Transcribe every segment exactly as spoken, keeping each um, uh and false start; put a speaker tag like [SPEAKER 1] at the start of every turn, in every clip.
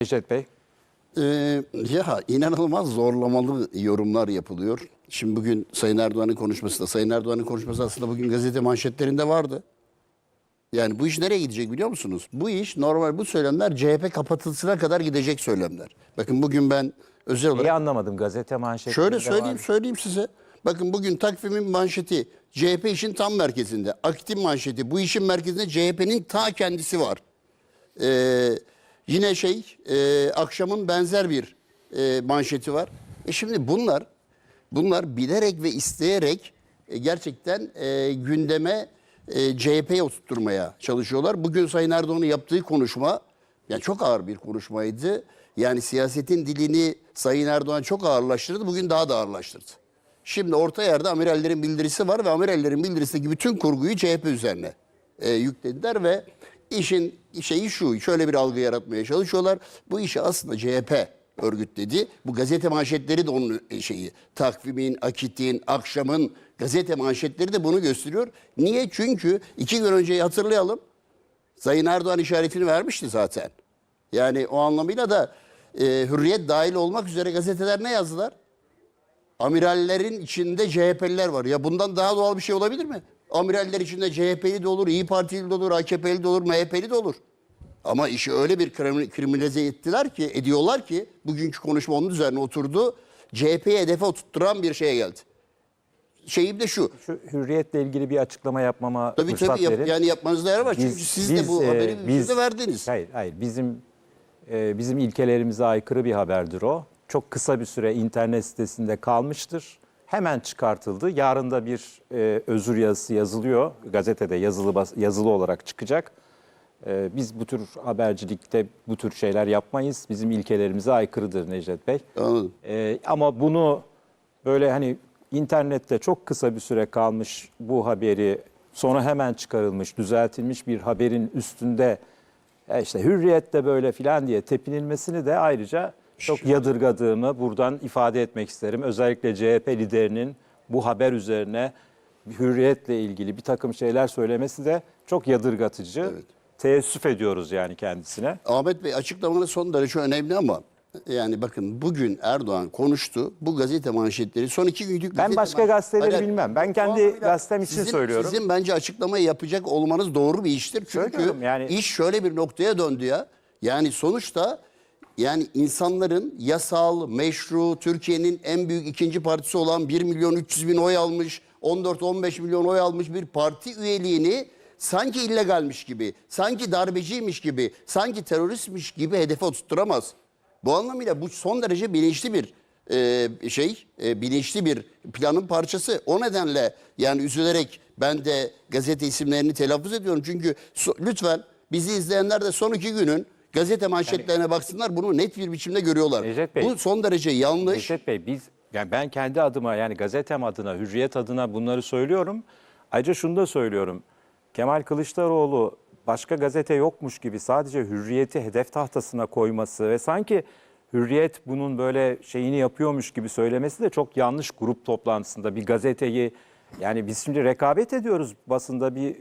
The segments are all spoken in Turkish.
[SPEAKER 1] Necdet Bey.
[SPEAKER 2] Ee, ya inanılmaz zorlamalı yorumlar yapılıyor. Şimdi bugün Sayın Erdoğan'ın konuşması da, Sayın Erdoğan'ın konuşması aslında bugün gazete manşetlerinde vardı. Yani bu iş nereye gidecek biliyor musunuz? Bu iş normal, bu söylemler C H P kapatılsına kadar gidecek söylemler. Bakın bugün ben özel olarak...
[SPEAKER 1] İyi anlamadım, gazete manşetlerinde
[SPEAKER 2] Şöyle söyleyeyim,
[SPEAKER 1] var.
[SPEAKER 2] söyleyeyim size. Bakın bugün takvimin manşeti C H P işin tam merkezinde. Akit'in manşeti bu işin merkezinde C H P'nin ta kendisi var. Ee, yine şey e, akşamın benzer bir e, manşeti var. E şimdi bunlar bunlar bilerek ve isteyerek e, gerçekten e, gündeme e, C H P'ye oturtturmaya çalışıyorlar. Bugün Sayın Erdoğan'ın yaptığı konuşma yani çok ağır bir konuşmaydı. Yani siyasetin dilini Sayın Erdoğan çok ağırlaştırdı. Bugün daha da ağırlaştırdı. Şimdi orta yerde amirallerin bildirisi var ve amirallerin bildirisindeki bütün kurguyu C H P üzerine e, yüklediler ve işin şeyi şu, şöyle bir algı yaratmaya çalışıyorlar. Bu işi aslında C H P örgütledi. Bu gazete manşetleri de onun şeyi. Takvimin, Akit'in, Akşam'ın gazete manşetleri de bunu gösteriyor. Niye? Çünkü iki gün önceyi hatırlayalım. Sayın Erdoğan işaretini vermişti zaten. Yani o anlamıyla da e, Hürriyet dahil olmak üzere gazeteler ne yazdılar? Amirallerin içinde C H P'liler var. Ya bundan daha doğal bir şey olabilir mi? Amiraller içinde C H P'li de olur, İyi Partili de olur, A K P'li de olur, M H P'li de olur. Ama işi öyle bir kriminalize ettiler ki, ediyorlar ki, bugünkü konuşma onun üzerine oturdu. C H P'yi hedefe oturtturan bir şeye geldi. Şeyim de şu.
[SPEAKER 1] Şu Hürriyet'le ilgili bir açıklama yapmama
[SPEAKER 2] Tabii
[SPEAKER 1] fırsat
[SPEAKER 2] tabii yap,
[SPEAKER 1] verin.
[SPEAKER 2] yani yapmanızda yer var.
[SPEAKER 1] Biz,
[SPEAKER 2] Çünkü siz
[SPEAKER 1] biz,
[SPEAKER 2] de bu
[SPEAKER 1] e,
[SPEAKER 2] haberi
[SPEAKER 1] biz,
[SPEAKER 2] siz de verdiniz.
[SPEAKER 1] Hayır, hayır. Bizim e, bizim ilkelerimize aykırı bir haberdir o. Çok kısa bir süre internet sitesinde kalmıştır. Hemen çıkartıldı. Yarın da bir e, özür yazısı yazılıyor. Gazetede yazılı bas, yazılı olarak çıkacak. E, biz bu tür habercilikte bu tür şeyler yapmayız. Bizim ilkelerimize aykırıdır Necdet Bey.
[SPEAKER 2] Anladım.
[SPEAKER 1] E, ama bunu böyle hani internette çok kısa bir süre kalmış bu haberi sonra hemen çıkarılmış, düzeltilmiş bir haberin üstünde ya işte Hürriyet'te böyle filan diye tepinilmesini de ayrıca çok yadırgadığımı buradan ifade etmek isterim. Özellikle C H P liderinin bu haber üzerine Hürriyet'le ilgili bir takım şeyler söylemesi de çok yadırgatıcı. Evet. Teessüf ediyoruz yani kendisine.
[SPEAKER 2] Ahmet Bey, açıklamanız son derece önemli ama yani bakın bugün Erdoğan konuştu. Bu gazete manşetleri son iki günlük
[SPEAKER 1] Ben başka gazeteleri
[SPEAKER 2] Hayır,
[SPEAKER 1] bilmem. Ben kendi gazetem için
[SPEAKER 2] sizin,
[SPEAKER 1] söylüyorum.
[SPEAKER 2] Sizin bence açıklamayı yapacak olmanız doğru bir iştir. Çünkü
[SPEAKER 1] yani
[SPEAKER 2] iş şöyle bir noktaya döndü ya. Yani sonuçta yani insanların yasal, meşru, Türkiye'nin en büyük ikinci partisi olan bir milyon üç yüz bin oy almış, on dört on beş milyon oy almış bir parti üyeliğini sanki illegalmiş gibi, sanki darbeciymiş gibi, sanki teröristmiş gibi hedefe oturtturamaz. Bu anlamıyla bu son derece bilinçli bir e, şey, e, bilinçli bir planın parçası. O nedenle yani üzülerek ben de gazete isimlerini telaffuz ediyorum. Çünkü so, lütfen bizi izleyenler de son iki günün gazete manşetlerine yani, baksınlar, bunu net bir biçimde görüyorlar.
[SPEAKER 1] Necdet Bey,
[SPEAKER 2] bu son derece yanlış.
[SPEAKER 1] Necdet Bey, biz yani ben kendi adıma yani gazetem adına, Hürriyet adına bunları söylüyorum. Ayrıca şunu da söylüyorum. Kemal Kılıçdaroğlu başka gazete yokmuş gibi sadece Hürriyet'i hedef tahtasına koyması ve sanki Hürriyet bunun böyle şeyini yapıyormuş gibi söylemesi de çok yanlış. Grup toplantısında bir gazeteyi, yani biz şimdi rekabet ediyoruz, basında bir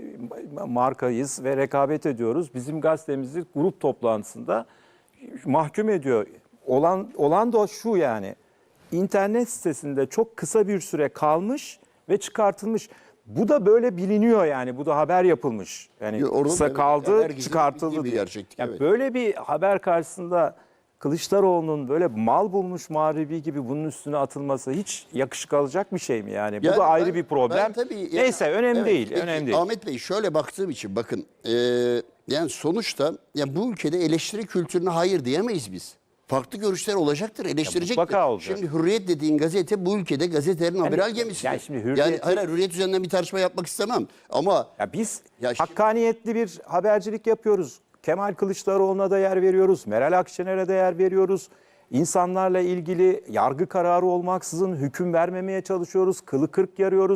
[SPEAKER 1] markayız ve rekabet ediyoruz. Bizim gazetemizi grup toplantısında mahkum ediyor. Olan, olan da şu, yani internet sitesinde çok kısa bir süre kalmış ve çıkartılmış. Bu da böyle biliniyor yani. Bu da haber yapılmış. Yani
[SPEAKER 2] Orada
[SPEAKER 1] kısa
[SPEAKER 2] evet,
[SPEAKER 1] kaldı,
[SPEAKER 2] yani
[SPEAKER 1] çıkartıldı diye. Yani
[SPEAKER 2] evet.
[SPEAKER 1] Böyle bir haber karşısında Kılıçdaroğlu'nun böyle mal bulmuş mağribi gibi bunun üstüne atılması hiç yakışık alacak bir şey mi yani? Bu
[SPEAKER 2] yani
[SPEAKER 1] da ayrı
[SPEAKER 2] ben,
[SPEAKER 1] bir problem.
[SPEAKER 2] Tabii,
[SPEAKER 1] Neyse
[SPEAKER 2] yani,
[SPEAKER 1] önemli
[SPEAKER 2] evet,
[SPEAKER 1] değil.
[SPEAKER 2] peki,
[SPEAKER 1] önemli değil.
[SPEAKER 2] Ahmet Bey, şöyle baktığım için bakın e, yani sonuçta yani bu ülkede eleştiri kültürüne hayır diyemeyiz biz. Farklı görüşler olacaktır, eleştirecektir. Şimdi Hürriyet dediğin gazete bu ülkede gazetelerin yani, amiral gemisi.
[SPEAKER 1] Yani şimdi Hürriyet,
[SPEAKER 2] yani hayır, Hürriyet üzerinden bir tartışma yapmak istemem ama
[SPEAKER 1] ya biz
[SPEAKER 2] ya
[SPEAKER 1] hakkaniyetli bir habercilik yapıyoruz. Kemal Kılıçdaroğlu'na da yer veriyoruz. Meral Akşener'e de yer veriyoruz. İnsanlarla ilgili yargı kararı olmaksızın hüküm vermemeye çalışıyoruz. Kılı kırk yarıyoruz.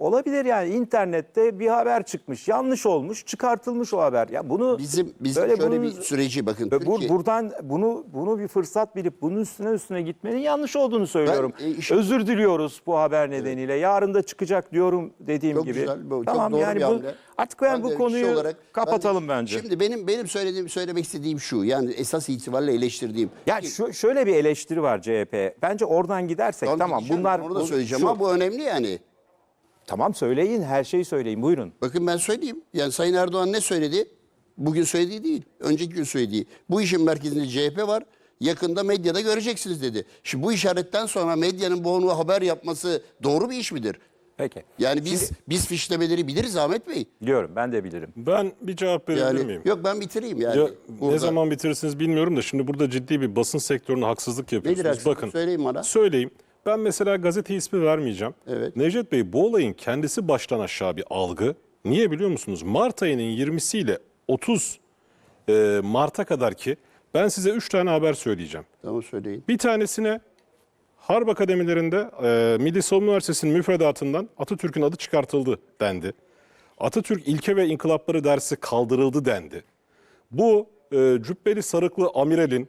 [SPEAKER 1] Olabilir yani, internette bir haber çıkmış, yanlış olmuş, çıkartılmış o haber. Ya bunu
[SPEAKER 2] Bizim bizim
[SPEAKER 1] böyle
[SPEAKER 2] şöyle
[SPEAKER 1] bunun-
[SPEAKER 2] bir süreci bakın.
[SPEAKER 1] Ve bu-
[SPEAKER 2] Türkiye-
[SPEAKER 1] buradan bunu bunu bir fırsat bilip bunun üstüne üstüne gitmenin yanlış olduğunu söylüyorum.
[SPEAKER 2] Ben, e, işin-
[SPEAKER 1] Özür diliyoruz bu haber nedeniyle. Yarın da çıkacak diyorum dediğim
[SPEAKER 2] Çok
[SPEAKER 1] gibi.
[SPEAKER 2] güzel, bu- çok
[SPEAKER 1] Tamam
[SPEAKER 2] doğru
[SPEAKER 1] yani
[SPEAKER 2] bir
[SPEAKER 1] bu
[SPEAKER 2] hamle.
[SPEAKER 1] artık yani
[SPEAKER 2] Ben de
[SPEAKER 1] bu
[SPEAKER 2] kişi
[SPEAKER 1] konuyu
[SPEAKER 2] olarak-
[SPEAKER 1] kapatalım
[SPEAKER 2] ben de-
[SPEAKER 1] bence.
[SPEAKER 2] Şimdi benim benim söylediğim söylemek istediğim şu. Yani esas itibariyle eleştirdiğim.
[SPEAKER 1] Ya şu, şöyle bir eleştiri var C H P. Bence oradan gidersek
[SPEAKER 2] Tamam,
[SPEAKER 1] tamam
[SPEAKER 2] gideceğim,
[SPEAKER 1] bunlar
[SPEAKER 2] onu da
[SPEAKER 1] bu-
[SPEAKER 2] söyleyeceğim
[SPEAKER 1] şu-
[SPEAKER 2] ama bu önemli yani.
[SPEAKER 1] Tamam söyleyin, her şeyi söyleyin, buyurun.
[SPEAKER 2] Bakın ben söyleyeyim. Yani Sayın Erdoğan ne söyledi? Bugün söylediği değil. Önceki gün söylediği. Bu işin merkezinde C H P var. Yakında medyada göreceksiniz dedi. Şimdi bu işaretten sonra medyanın bu onu haber yapması doğru bir iş midir?
[SPEAKER 1] Peki.
[SPEAKER 2] Yani biz biz fişlemeleri biliriz Ahmet Bey.
[SPEAKER 1] Biliyorum, ben de bilirim.
[SPEAKER 3] Ben bir cevap verebilir
[SPEAKER 2] Yani
[SPEAKER 3] miyim?
[SPEAKER 2] yok ben bitireyim yani.
[SPEAKER 3] Ya,
[SPEAKER 2] Burada-
[SPEAKER 3] ne zaman bitirirsiniz bilmiyorum da şimdi burada ciddi bir basın sektörüne haksızlık yapıyorsunuz.
[SPEAKER 2] haksızlık?
[SPEAKER 3] Bakın,
[SPEAKER 2] Söyleyin bana.
[SPEAKER 3] Söyleyeyim. Ben mesela gazete ismi vermeyeceğim.
[SPEAKER 2] Evet.
[SPEAKER 3] Necdet Bey, bu olayın kendisi baştan aşağı bir algı. Niye biliyor musunuz? Mart ayının yirmisiyle otuz e, Mart'a kadar ki ben size üç tane haber söyleyeceğim.
[SPEAKER 2] Tamam söyleyin.
[SPEAKER 3] Bir tanesine Harp Akademilerinde e, Milli Savunma Üniversitesi'nin müfredatından Atatürk'ün adı çıkartıldı dendi. Atatürk ilke ve inkılapları dersi kaldırıldı dendi. Bu e, cübbeli sarıklı amiralin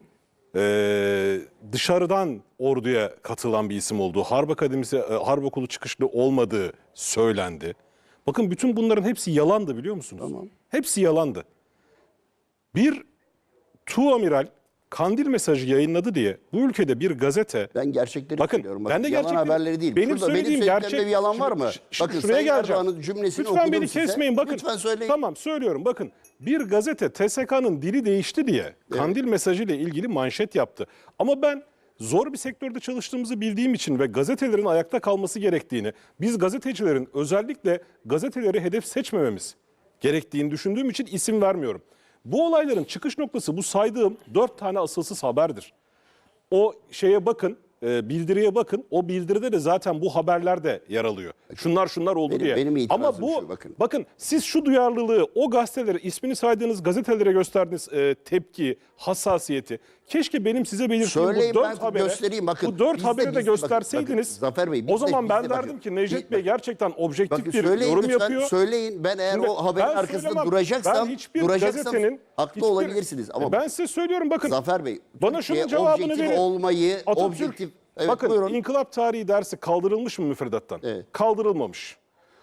[SPEAKER 3] e, dışarıdan orduya katılan bir isim olduğu, Harp Akademisi, e, Harp Okulu çıkışlı olmadığı söylendi. Bakın bütün bunların hepsi yalandı biliyor musunuz?
[SPEAKER 2] Tamam.
[SPEAKER 3] Hepsi yalandı. Bir tuamiral Kandil mesajı yayınladı diye bu ülkede bir gazete...
[SPEAKER 2] Ben gerçekleri
[SPEAKER 3] Bakın,
[SPEAKER 2] söylüyorum.
[SPEAKER 3] ben de
[SPEAKER 2] yalan
[SPEAKER 3] gerçekleri-
[SPEAKER 2] haberleri değil.
[SPEAKER 3] Benim
[SPEAKER 2] Şurada
[SPEAKER 3] söylediğim
[SPEAKER 2] benim
[SPEAKER 3] gerçek.
[SPEAKER 2] söylediklerimde bir yalan var mı?
[SPEAKER 3] Şimdi- şimdi
[SPEAKER 2] Bakın
[SPEAKER 3] şuraya
[SPEAKER 2] Sayın
[SPEAKER 3] geleceğim.
[SPEAKER 2] Erdoğan'ın cümlesini
[SPEAKER 3] Lütfen
[SPEAKER 2] okudum
[SPEAKER 3] beni
[SPEAKER 2] size.
[SPEAKER 3] kesmeyin. Bakın.
[SPEAKER 2] Lütfen söyleyin.
[SPEAKER 3] Tamam söylüyorum. Bakın bir gazete T S K'nın dili değişti diye Kandil mesajıyla ilgili manşet yaptı. Ama ben zor bir sektörde çalıştığımızı bildiğim için ve gazetelerin ayakta kalması gerektiğini, biz gazetecilerin özellikle gazeteleri hedef seçmememiz gerektiğini düşündüğüm için isim vermiyorum. Bu olayların çıkış noktası bu saydığım dört tane asılsız haberdir. O şeye bakın, e, bildiriye bakın. O bildiride de zaten bu haberler de yer alıyor. Şunlar şunlar oldu
[SPEAKER 2] Benim-
[SPEAKER 3] diye.
[SPEAKER 2] benim itirazım
[SPEAKER 3] Ama bu
[SPEAKER 2] şu, bakın.
[SPEAKER 3] bakın siz şu duyarlılığı o gazetelere, ismini saydığınız gazetelere gösterdiğiniz e, tepki, hassasiyeti keşke benim size belirttiğim
[SPEAKER 2] Söyleyin,
[SPEAKER 3] bu
[SPEAKER 2] ben
[SPEAKER 3] dört habere,
[SPEAKER 2] göstereyim. Bakın,
[SPEAKER 3] bu dört
[SPEAKER 2] bizde-
[SPEAKER 3] haberi de
[SPEAKER 2] bizde- bakın,
[SPEAKER 3] gösterseydiniz
[SPEAKER 2] bakın, Zafer Bey,
[SPEAKER 3] o
[SPEAKER 2] bizde-
[SPEAKER 3] zaman ben
[SPEAKER 2] bizde bakın.
[SPEAKER 3] derdim ki Necdet
[SPEAKER 2] Bir-
[SPEAKER 3] Bey
[SPEAKER 2] bakın.
[SPEAKER 3] gerçekten objektif
[SPEAKER 2] Bakın
[SPEAKER 3] bir
[SPEAKER 2] söyleyin
[SPEAKER 3] yorum
[SPEAKER 2] lütfen,
[SPEAKER 3] yapıyor.
[SPEAKER 2] söyleyin. Ben eğer
[SPEAKER 3] Şimdi
[SPEAKER 2] o haberin
[SPEAKER 3] ben
[SPEAKER 2] arkasında
[SPEAKER 3] söylemem.
[SPEAKER 2] duracaksam,
[SPEAKER 3] Ben hiçbir
[SPEAKER 2] duracaksam
[SPEAKER 3] gazetenin
[SPEAKER 2] haklı
[SPEAKER 3] hiçbir-
[SPEAKER 2] olabilirsiniz. Ama
[SPEAKER 3] ben size söylüyorum bakın.
[SPEAKER 2] Zafer Bey,
[SPEAKER 3] Bana şunun
[SPEAKER 2] Türkiye
[SPEAKER 3] cevabını
[SPEAKER 2] objektif
[SPEAKER 3] verin.
[SPEAKER 2] olmayı,
[SPEAKER 3] Atatürk,
[SPEAKER 2] objektif... Evet,
[SPEAKER 3] bakın
[SPEAKER 2] buyurun.
[SPEAKER 3] inkılap tarihi dersi kaldırılmış mı müfredattan?
[SPEAKER 2] Evet.
[SPEAKER 3] Kaldırılmamış.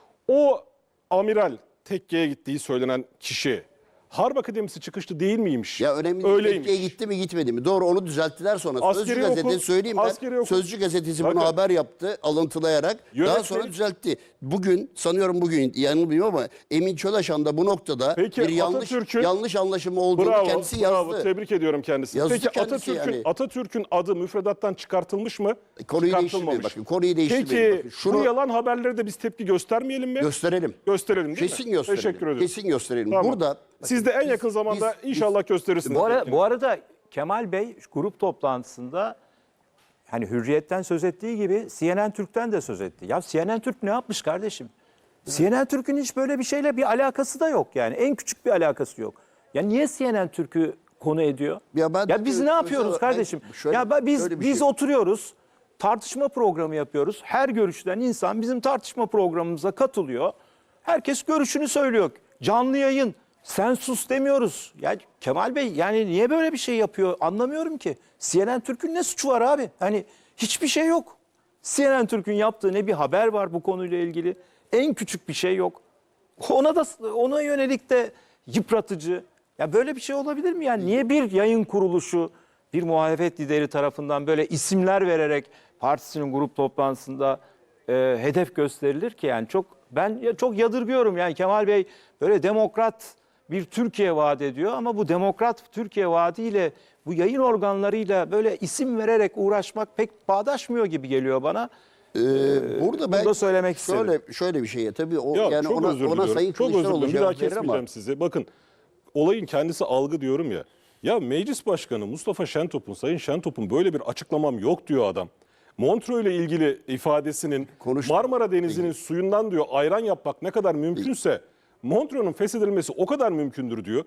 [SPEAKER 3] O amiral tekkeye gittiği söylenen kişi Harp Akademisi çıkışlı değil miymiş?
[SPEAKER 2] Ya önemli değil.
[SPEAKER 3] Öyleymiş.
[SPEAKER 2] Türkiye gitti mi gitmedi mi? Doğru, onu düzelttiler sonra.
[SPEAKER 3] Askeri
[SPEAKER 2] Sözcü gazete
[SPEAKER 3] okul-
[SPEAKER 2] söyleyeyim ben.
[SPEAKER 3] askeri okul-
[SPEAKER 2] Sözcü gazetesi
[SPEAKER 3] Bakın.
[SPEAKER 2] bunu haber yaptı alıntılayarak. Daha
[SPEAKER 3] Yönetmelik-
[SPEAKER 2] sonra düzeltti. Bugün sanıyorum bugün yanılmıyorum ama Emin Çölaşan da bu noktada
[SPEAKER 3] Peki,
[SPEAKER 2] bir yanlış
[SPEAKER 3] Atatürk'ün-
[SPEAKER 2] yanlış anlaşılma olduğunu
[SPEAKER 3] Bravo,
[SPEAKER 2] kendisi
[SPEAKER 3] bravo.
[SPEAKER 2] yazdı.
[SPEAKER 3] Tebrik ediyorum kendisini.
[SPEAKER 2] Yazdı
[SPEAKER 3] Peki
[SPEAKER 2] kendisi
[SPEAKER 3] Atatürk'ün
[SPEAKER 2] yani.
[SPEAKER 3] Atatürk'ün adı müfredattan çıkartılmış mı?
[SPEAKER 2] Konuyu değiştirmeyin
[SPEAKER 3] Çıkartılmamış.
[SPEAKER 2] bakın. Konuyu değiştirmeyin.
[SPEAKER 3] Peki
[SPEAKER 2] bakın. Şunu
[SPEAKER 3] bu yalan haberlere de biz tepki göstermeyelim mi?
[SPEAKER 2] gösterelim.
[SPEAKER 3] Gösterelim değil
[SPEAKER 2] Kesin
[SPEAKER 3] mi?
[SPEAKER 2] gösterelim.
[SPEAKER 3] Teşekkür ederim.
[SPEAKER 2] Kesin gösterelim.
[SPEAKER 3] Tamam.
[SPEAKER 2] Burada
[SPEAKER 3] Siz de en yakın zamanda
[SPEAKER 2] biz-
[SPEAKER 3] inşallah gösterirsiniz.
[SPEAKER 1] Bu, ara,
[SPEAKER 3] tepkini.
[SPEAKER 1] bu arada Kemal Bey grup toplantısında hani Hürriyet'ten söz ettiği gibi C N N Türk'ten de söz etti. Ya C N N Türk ne yapmış kardeşim? C N N Türk'ün hiç böyle bir şeyle bir alakası da yok yani. En küçük bir alakası yok. Ya niye C N N Türk'ü konu ediyor?
[SPEAKER 2] Ya ben-
[SPEAKER 1] ya biz ne
[SPEAKER 2] özel
[SPEAKER 1] yapıyoruz
[SPEAKER 2] olarak-
[SPEAKER 1] kardeşim?
[SPEAKER 2] ben şöyle-
[SPEAKER 1] ya ben- biz
[SPEAKER 2] şöyle bir
[SPEAKER 1] biz
[SPEAKER 2] şey-
[SPEAKER 1] oturuyoruz. Tartışma programı yapıyoruz. Her görüşten insan bizim tartışma programımıza katılıyor. Herkes görüşünü söylüyor. Canlı yayın. Sen sus demiyoruz. Ya Kemal Bey yani niye böyle bir şey yapıyor anlamıyorum ki. C N N Türk'ün ne suçu var abi? Hani hiçbir şey yok. C N N Türk'ün yaptığı ne bir haber var bu konuyla ilgili. En küçük bir şey yok. Ona da ona yönelik de yıpratıcı. Ya böyle bir şey olabilir mi? Yani niye bir yayın kuruluşu bir muhalefet lideri tarafından böyle isimler vererek partisinin grup toplantısında e, hedef gösterilir ki yani çok ben ya çok yadırgıyorum yani Kemal Bey böyle demokrat bir Türkiye vaat ediyor ama bu demokrat Türkiye vaadiyle bu yayın organlarıyla böyle isim vererek uğraşmak pek bağdaşmıyor gibi geliyor bana.
[SPEAKER 2] Ee, burada ben
[SPEAKER 1] da söylemek
[SPEAKER 2] şöyle,
[SPEAKER 1] isterim.
[SPEAKER 2] şöyle bir şey tabii o
[SPEAKER 3] Ya
[SPEAKER 2] yani
[SPEAKER 3] çok
[SPEAKER 2] ona,
[SPEAKER 3] özür
[SPEAKER 2] ona
[SPEAKER 3] diliyorum.
[SPEAKER 2] Sayın
[SPEAKER 3] Çok özür
[SPEAKER 2] Kılıçdaroğlu
[SPEAKER 3] diliyorum. Bir daha
[SPEAKER 2] cevap verir
[SPEAKER 3] kesmeyeceğim
[SPEAKER 2] ama
[SPEAKER 3] sizi. Bakın olayın kendisi algı diyorum ya. Ya Meclis Başkanı Mustafa Şentop'un, Sayın Şentop'un böyle bir açıklamam yok diyor adam. Montreux ile ilgili ifadesinin
[SPEAKER 2] Konuştum.
[SPEAKER 3] Marmara Denizi'nin suyundan diyor ayran yapmak ne kadar mümkünse Montreux'un feshedilmesi o kadar mümkündür diyor.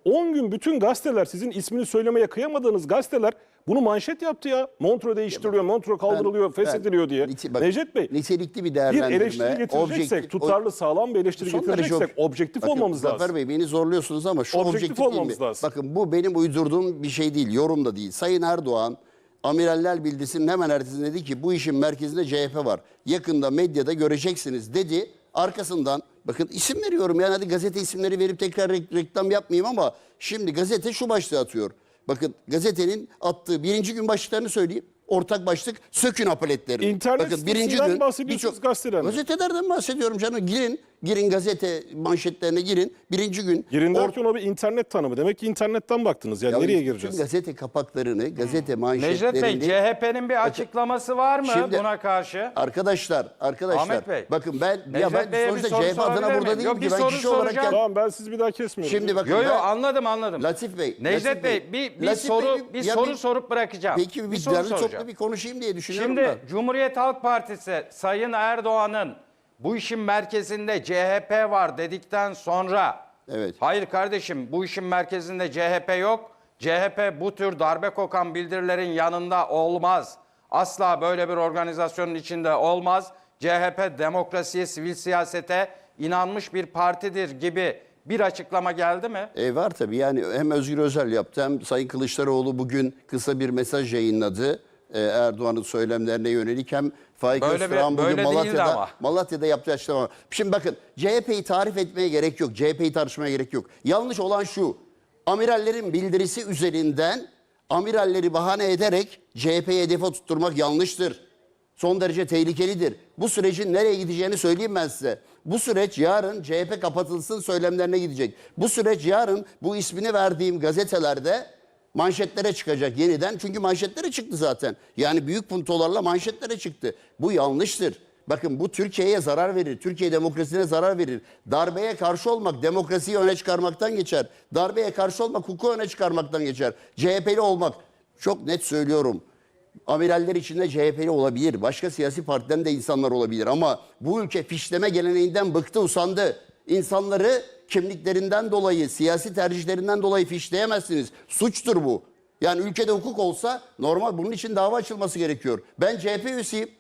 [SPEAKER 3] on gün bütün gazeteler, sizin ismini söylemeye kıyamadığınız gazeteler bunu manşet yaptı ya. Montreux değiştiriliyor, Montreux kaldırılıyor,
[SPEAKER 2] Ben-
[SPEAKER 3] feshediliyor diye.
[SPEAKER 2] nite- bak,
[SPEAKER 3] Necdet Bey,
[SPEAKER 2] nitelikli bir
[SPEAKER 3] bir
[SPEAKER 2] değerlendirme.
[SPEAKER 3] eleştiri getireceksek,
[SPEAKER 2] objektif-
[SPEAKER 3] tutarlı, sağlam bir eleştiri
[SPEAKER 2] Son derece
[SPEAKER 3] getireceksek
[SPEAKER 2] ob-
[SPEAKER 3] objektif
[SPEAKER 2] Bakın,
[SPEAKER 3] olmamız
[SPEAKER 2] Zafer
[SPEAKER 3] lazım.
[SPEAKER 2] Bey, beni zorluyorsunuz ama şu
[SPEAKER 3] Objektif
[SPEAKER 2] objektif, değil mi?
[SPEAKER 3] olmamız lazım.
[SPEAKER 2] Bakın, bu benim uydurduğum bir şey değil, yorum da değil. Sayın Erdoğan Amiraller Bildirisi'nin hemen ertesinde dedi ki bu işin merkezinde C H P var. Yakında medyada göreceksiniz dedi. Arkasından bakın isim veriyorum, yani hadi gazete isimleri verip tekrar re- reklam yapmayayım ama şimdi gazete şu başlığı atıyor. Bakın gazetenin attığı birinci gün başlıklarını söyleyeyim. Ortak başlık sökün apaletleri.
[SPEAKER 3] İnternet sitesinden bahsediyorsunuz, gazetelerden.
[SPEAKER 2] Gazetelerden bahsediyorum canım. Girin, girin gazete manşetlerine girin. Birinci gün.
[SPEAKER 3] Girin
[SPEAKER 2] or-
[SPEAKER 3] derken o bir internet tanımı. Demek ki internetten baktınız. Yani
[SPEAKER 2] Ya
[SPEAKER 3] nereye
[SPEAKER 2] bütün
[SPEAKER 3] gireceğiz?
[SPEAKER 2] gazete kapaklarını, gazete manşetlerini.
[SPEAKER 4] Necdet Bey, C H P'nin bir açıklaması var mı
[SPEAKER 2] Şimdi-
[SPEAKER 4] buna karşı?
[SPEAKER 2] Arkadaşlar, arkadaşlar.
[SPEAKER 4] Ahmet Bey.
[SPEAKER 2] Bakın ben ya
[SPEAKER 4] Necdet
[SPEAKER 2] ben
[SPEAKER 4] Bey'e bir
[SPEAKER 2] sonuçta
[SPEAKER 4] soru
[SPEAKER 2] C H P adına
[SPEAKER 4] sorabilir
[SPEAKER 2] burada
[SPEAKER 4] miyim?
[SPEAKER 2] değilim
[SPEAKER 4] Yok,
[SPEAKER 2] ki.
[SPEAKER 4] bir
[SPEAKER 2] Ben
[SPEAKER 4] soru
[SPEAKER 2] kişi olarak
[SPEAKER 4] soracağım.
[SPEAKER 2] gel-
[SPEAKER 3] Tamam, ben sizi bir daha kesmiyorum.
[SPEAKER 2] Şimdi bakın
[SPEAKER 4] Yo yo
[SPEAKER 2] ben-
[SPEAKER 4] anladım anladım.
[SPEAKER 2] Latif Bey.
[SPEAKER 4] Necdet
[SPEAKER 2] Latif
[SPEAKER 4] Bey, bir, bir
[SPEAKER 2] Latif
[SPEAKER 4] soru
[SPEAKER 2] Bey,
[SPEAKER 4] bir
[SPEAKER 2] ya
[SPEAKER 4] soru
[SPEAKER 2] bir-
[SPEAKER 4] sorup bırakacağım.
[SPEAKER 2] Peki bir,
[SPEAKER 4] soru
[SPEAKER 2] derli
[SPEAKER 4] soracağım.
[SPEAKER 2] toplu bir konuşayım diye düşünüyorum
[SPEAKER 4] Şimdi
[SPEAKER 2] da.
[SPEAKER 4] Cumhuriyet Halk Partisi Sayın Erdoğan'ın bu işin merkezinde C H P var dedikten sonra
[SPEAKER 2] Evet.
[SPEAKER 4] hayır kardeşim bu işin merkezinde C H P yok. C H P bu tür darbe kokan bildirilerin yanında olmaz. Asla böyle bir organizasyonun içinde olmaz. C H P demokrasiye, sivil siyasete inanmış bir partidir gibi bir açıklama geldi mi?
[SPEAKER 2] E var tabii, yani hem Özgür Özel yaptı hem Sayın Kılıçdaroğlu bugün kısa bir mesaj yayınladı. E, Erdoğan'ın söylemlerine yönelik, hem Faik
[SPEAKER 4] Böyle bir-
[SPEAKER 2] Öztürk'ün bugün
[SPEAKER 4] böyle değildi
[SPEAKER 2] Malatya'da,
[SPEAKER 4] ama.
[SPEAKER 2] Malatya'da yaptığı açıklama. Şimdi bakın, C H P'yi tarif etmeye gerek yok. C H P'yi tartışmaya gerek yok. Yanlış olan şu: amirallerin bildirisi üzerinden amiralleri bahane ederek C H P'yi hedefe tutturmak yanlıştır. Son derece tehlikelidir. Bu sürecin nereye gideceğini söyleyeyim ben size. Bu süreç yarın C H P kapatılsın söylemlerine gidecek. Bu süreç yarın bu ismini verdiğim gazetelerde manşetlere çıkacak yeniden. Çünkü manşetlere çıktı zaten. Yani büyük puntolarla manşetlere çıktı. Bu yanlıştır. Bakın, bu Türkiye'ye zarar verir. Türkiye demokrasisine zarar verir. Darbeye karşı olmak demokrasiyi öne çıkarmaktan geçer. Darbeye karşı olmak hukuku öne çıkarmaktan geçer. C H P'li olmak, çok net söylüyorum, amiraller içinde C H P'li olabilir. Başka siyasi partiden de insanlar olabilir. Ama bu ülke fişleme geleneğinden bıktı, usandı. İnsanları kimliklerinden dolayı, siyasi tercihlerinden dolayı fişleyemezsiniz. Suçtur bu. Yani ülkede hukuk olsa normal bunun için dava açılması gerekiyor. Ben C H P üyesiyim.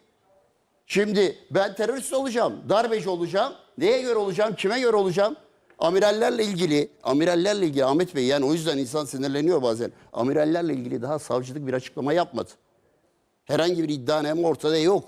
[SPEAKER 2] Şimdi ben terörist olacağım, darbeci olacağım. Neye göre olacağım, kime göre olacağım? Amirallerle ilgili, amirallerle ilgili Ahmet Bey, yani o yüzden insan sinirleniyor bazen. Amirallerle ilgili daha savcılık bir açıklama yapmadı. Herhangi bir iddianame ortada yok.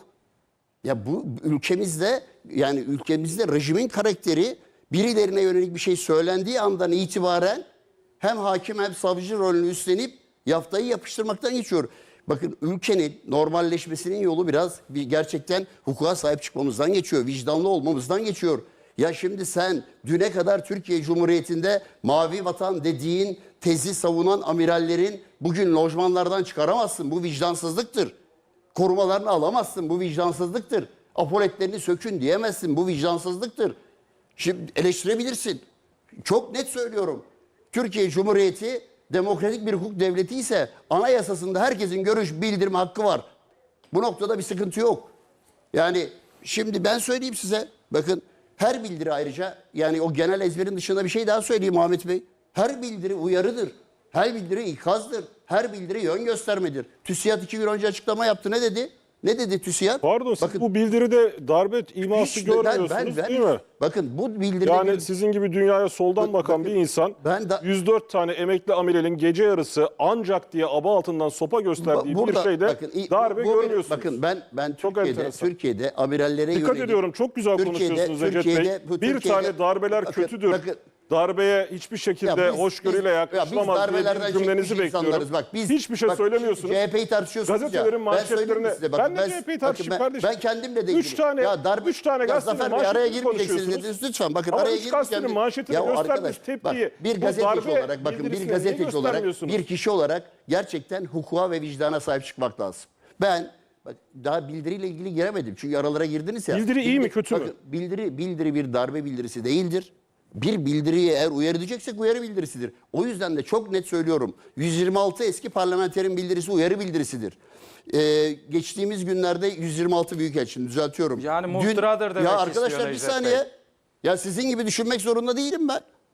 [SPEAKER 2] Ya bu ülkemizde, yani ülkemizde rejimin karakteri birilerine yönelik bir şey söylendiği andan itibaren hem hakim hem savcı rolünü üstlenip yaftayı yapıştırmaktan geçiyor. Bakın, ülkenin normalleşmesinin yolu biraz bir gerçekten hukuka sahip çıkmamızdan geçiyor. Vicdanlı olmamızdan geçiyor. Ya şimdi sen düne kadar Türkiye Cumhuriyeti'nde mavi vatan dediğin tezi savunan amirallerin bugün lojmanlardan çıkaramazsın. Bu vicdansızlıktır. Korumalarını alamazsın. Bu vicdansızlıktır. Apoletlerini sökün diyemezsin. Bu vicdansızlıktır. Şimdi eleştirebilirsin. Çok net söylüyorum. Türkiye Cumhuriyeti demokratik bir hukuk devleti ise anayasasında herkesin görüş bildirme hakkı var. Bu noktada bir sıkıntı yok. Yani şimdi ben söyleyeyim size. Bakın, her bildiri ayrıca, yani o genel ezberin dışında bir şey daha söyleyeyim Ahmet Bey. Her bildiri uyarıdır. Her bildiri ikazdır. Her bildiri yön göstermedir. TÜSİAD iki gün önce açıklama yaptı. Ne dedi? Ne dedi TÜSİAD?
[SPEAKER 3] Pardon, siz bu bildiride darbe iması
[SPEAKER 2] hiç- ben-
[SPEAKER 3] görmüyorsunuz
[SPEAKER 2] ben- ben-
[SPEAKER 3] değil mi?
[SPEAKER 2] Bakın, bu bildiride
[SPEAKER 3] Yani
[SPEAKER 2] bir-
[SPEAKER 3] sizin gibi dünyaya soldan
[SPEAKER 2] Bak-
[SPEAKER 3] bakan
[SPEAKER 2] bakın,
[SPEAKER 3] bir insan
[SPEAKER 2] ben de-
[SPEAKER 3] yüz dört tane emekli amiralin gece yarısı ancak diye aba altından sopa gösterdiği
[SPEAKER 2] Ba-
[SPEAKER 3] bir şeyde
[SPEAKER 2] bakın, i-
[SPEAKER 3] darbe
[SPEAKER 2] bu- bu-
[SPEAKER 3] görmüyorsunuz.
[SPEAKER 2] Bakın, ben ben
[SPEAKER 3] Çok
[SPEAKER 2] Türkiye'de
[SPEAKER 3] enteresan.
[SPEAKER 2] Türkiye'de amirallere
[SPEAKER 3] Dikkat
[SPEAKER 2] yönelik-
[SPEAKER 3] ediyorum, çok güzel
[SPEAKER 2] Türkiye'de-
[SPEAKER 3] konuşuyorsunuz Recep Bey.
[SPEAKER 2] Türkiye'de- bu
[SPEAKER 3] Bir
[SPEAKER 2] Türkiye'de-
[SPEAKER 3] tane darbeler
[SPEAKER 2] bakın-
[SPEAKER 3] kötüdür.
[SPEAKER 2] bakın-
[SPEAKER 3] Darbeye hiçbir şekilde
[SPEAKER 2] Ya biz-
[SPEAKER 3] hoşgörüyle
[SPEAKER 2] biz- ya biz
[SPEAKER 3] yaklaşılamaz diye
[SPEAKER 2] darbelerden
[SPEAKER 3] bir cümlenizi
[SPEAKER 2] çekmiş
[SPEAKER 3] bekliyorum.
[SPEAKER 2] insanlarız. Bak, biz,
[SPEAKER 3] Hiçbir şey
[SPEAKER 2] bak,
[SPEAKER 3] söylemiyorsunuz.
[SPEAKER 2] C H P'yi tartışıyorsunuz
[SPEAKER 3] Gazetelerin
[SPEAKER 2] ya. Ben söyleyeyim
[SPEAKER 3] manşetlerine-
[SPEAKER 2] size.
[SPEAKER 3] ben de C H P'yi
[SPEAKER 2] bakın
[SPEAKER 3] tartışayım
[SPEAKER 2] ben,
[SPEAKER 3] kardeşim.
[SPEAKER 2] Ben kendimle de
[SPEAKER 3] Üç
[SPEAKER 2] ilgili.
[SPEAKER 3] tane- üç tane
[SPEAKER 2] ya
[SPEAKER 3] gazetenin
[SPEAKER 2] Zafer Bey, araya
[SPEAKER 3] manşetini
[SPEAKER 2] girmeyeceksiniz
[SPEAKER 3] konuşuyorsunuz.
[SPEAKER 2] dediniz lütfen. Bakın,
[SPEAKER 3] Ama
[SPEAKER 2] araya
[SPEAKER 3] üç gazetenin
[SPEAKER 2] girmeyeceksiniz.
[SPEAKER 3] manşetine
[SPEAKER 2] Ya
[SPEAKER 3] göstermiş
[SPEAKER 2] arkadaş,
[SPEAKER 3] tepkiyi,
[SPEAKER 2] bak, bir
[SPEAKER 3] bu
[SPEAKER 2] gazeteci
[SPEAKER 3] darbe
[SPEAKER 2] olarak, bakın, bir
[SPEAKER 3] bildirisini niye
[SPEAKER 2] gazeteci olarak,
[SPEAKER 3] göstermiyorsunuz?
[SPEAKER 2] bir kişi olarak gerçekten hukuka ve vicdana sahip çıkmak lazım. Ben bak, daha bildiriyle ilgili giremedim. Çünkü aralara girdiniz ya.
[SPEAKER 3] Bildiri iyi mi,
[SPEAKER 2] Bildi-
[SPEAKER 3] kötü mü?
[SPEAKER 2] bakın, Bildiri, bildiri bir darbe bildirisi değildir. Bir bildiriye eğer uyarı edeceksek uyarı bildirisidir. O yüzden de çok net söylüyorum. yüz yirmi altı eski parlamenterin bildirisi uyarı bildirisidir. Ee, geçtiğimiz günlerde yüz yirmi altı büyükelçinin düzeltiyorum.
[SPEAKER 4] Yani muhtıradır demek
[SPEAKER 2] Ya
[SPEAKER 4] istiyor
[SPEAKER 2] arkadaşlar, bir
[SPEAKER 4] Necdet
[SPEAKER 2] saniye.
[SPEAKER 4] Bey.
[SPEAKER 2] Ya sizin gibi düşünmek zorunda değilim ben.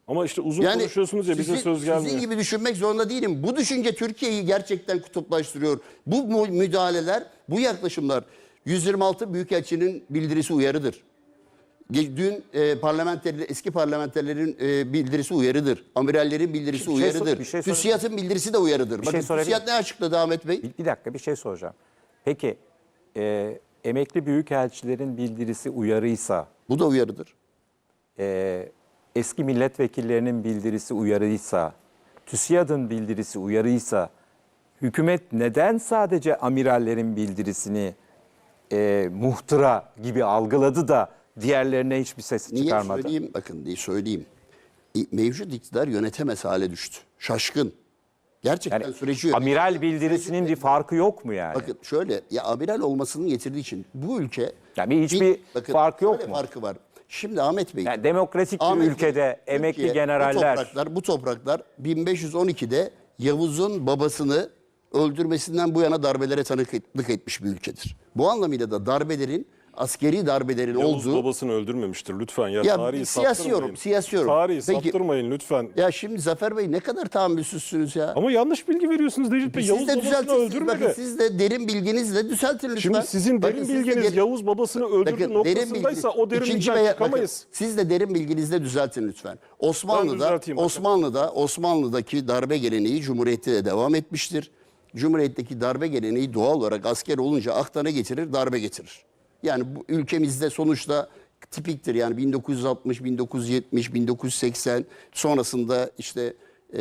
[SPEAKER 3] Ama işte uzun konuşuyorsunuz ya, bize
[SPEAKER 2] sizin-
[SPEAKER 3] söz gelmiyor.
[SPEAKER 2] Sizin gibi düşünmek zorunda değilim. Bu düşünce Türkiye'yi gerçekten kutuplaştırıyor. Bu mu- müdahaleler, bu yaklaşımlar yüz yirmi altı Büyükelçinin bildirisi uyarıdır. Ge- Dün e, parlamenterler, eski parlamenterlerin e, bildirisi uyarıdır. Amirallerin bildirisi
[SPEAKER 1] Bir şey sor-
[SPEAKER 2] uyarıdır.
[SPEAKER 1] bir şey sor-
[SPEAKER 2] TÜSİAD'ın bildirisi de uyarıdır.
[SPEAKER 1] şey
[SPEAKER 2] Bakın
[SPEAKER 1] sorabilir
[SPEAKER 2] TÜSİAD ne açıkladı Ahmet Bey?
[SPEAKER 1] Bir, bir dakika bir şey soracağım. Peki e, emekli büyükelçilerin bildirisi uyarıysa,
[SPEAKER 2] Bu da uyarıdır.
[SPEAKER 1] e, eski milletvekillerinin bildirisi uyarıysa, TÜSİAD'ın bildirisi uyarıysa, hükümet neden sadece amirallerin bildirisini e, muhtıra gibi algıladı da diğerlerine hiçbir ses
[SPEAKER 2] Niye
[SPEAKER 1] çıkarmadı?
[SPEAKER 2] söyleyeyim? Bakın diye söyleyeyim. İ- Mevcut iktidar yönetemez hale düştü. Şaşkın. Gerçekten
[SPEAKER 1] Yani
[SPEAKER 2] süreci yönet-
[SPEAKER 1] amiral bildirisinin bir farkı yok mu yani?
[SPEAKER 2] Bakın şöyle, ya amiral olmasının getirdiği için bu ülke...
[SPEAKER 1] Yani hiçbir farkı yok
[SPEAKER 2] şöyle
[SPEAKER 1] mu?
[SPEAKER 2] farkı var. Şimdi Ahmet Bey...
[SPEAKER 1] Yani demokratik bir
[SPEAKER 2] Ahmet Bey,
[SPEAKER 1] ülkede emekli
[SPEAKER 2] Türkiye,
[SPEAKER 1] generaller...
[SPEAKER 2] Bu topraklar, bu topraklar bin beş yüz on ikide Yavuz'un babasını öldürmesinden bu yana darbelere tanıklık etmiş bir ülkedir. Bu anlamıyla da darbelerin, askeri darbelerin
[SPEAKER 3] Yavuz
[SPEAKER 2] olduğu...
[SPEAKER 3] babasını öldürmemiştir lütfen. Ya,
[SPEAKER 2] Ya,
[SPEAKER 3] tarihi
[SPEAKER 2] siyasi
[SPEAKER 3] saptırmayın.
[SPEAKER 2] yorum, siyasi yorum.
[SPEAKER 3] Tarihi
[SPEAKER 2] Peki-
[SPEAKER 3] saptırmayın lütfen.
[SPEAKER 2] Ya şimdi Zafer Bey ne kadar tahammülsüzsünüz ya.
[SPEAKER 3] Ama yanlış bilgi veriyorsunuz Necip Bey.
[SPEAKER 2] Siz
[SPEAKER 3] Yavuz
[SPEAKER 2] de
[SPEAKER 3] babasını
[SPEAKER 2] düzeltirsiniz.
[SPEAKER 3] öldürmedi.
[SPEAKER 2] Bakın siz de derin bilginizle düzeltin lütfen.
[SPEAKER 3] Şimdi sizin
[SPEAKER 2] Bakın
[SPEAKER 3] derin
[SPEAKER 2] siz de
[SPEAKER 3] bilginiz
[SPEAKER 2] derin-
[SPEAKER 3] Yavuz babasını öldürdü
[SPEAKER 2] Bakın, derin
[SPEAKER 3] noktasındaysa
[SPEAKER 2] bilgi-
[SPEAKER 3] o
[SPEAKER 2] İkinci
[SPEAKER 3] derinlikten
[SPEAKER 2] veya-
[SPEAKER 3] çıkamayız.
[SPEAKER 2] bakın, siz de derin bilginizle düzeltin lütfen. Osmanlı'da
[SPEAKER 3] düzelteyim bakın.
[SPEAKER 2] Osmanlı'da Osmanlı'daki darbe geleneği Cumhuriyet'te de devam etmiştir. Cumhuriyet'teki darbe geleneği doğal olarak asker olunca aklına getirir, darbe getirir. Yani bu ülkemizde sonuçta tipiktir. Yani bin dokuz yüz altmış, bin dokuz yüz yetmiş, bin dokuz yüz seksen sonrasında işte e,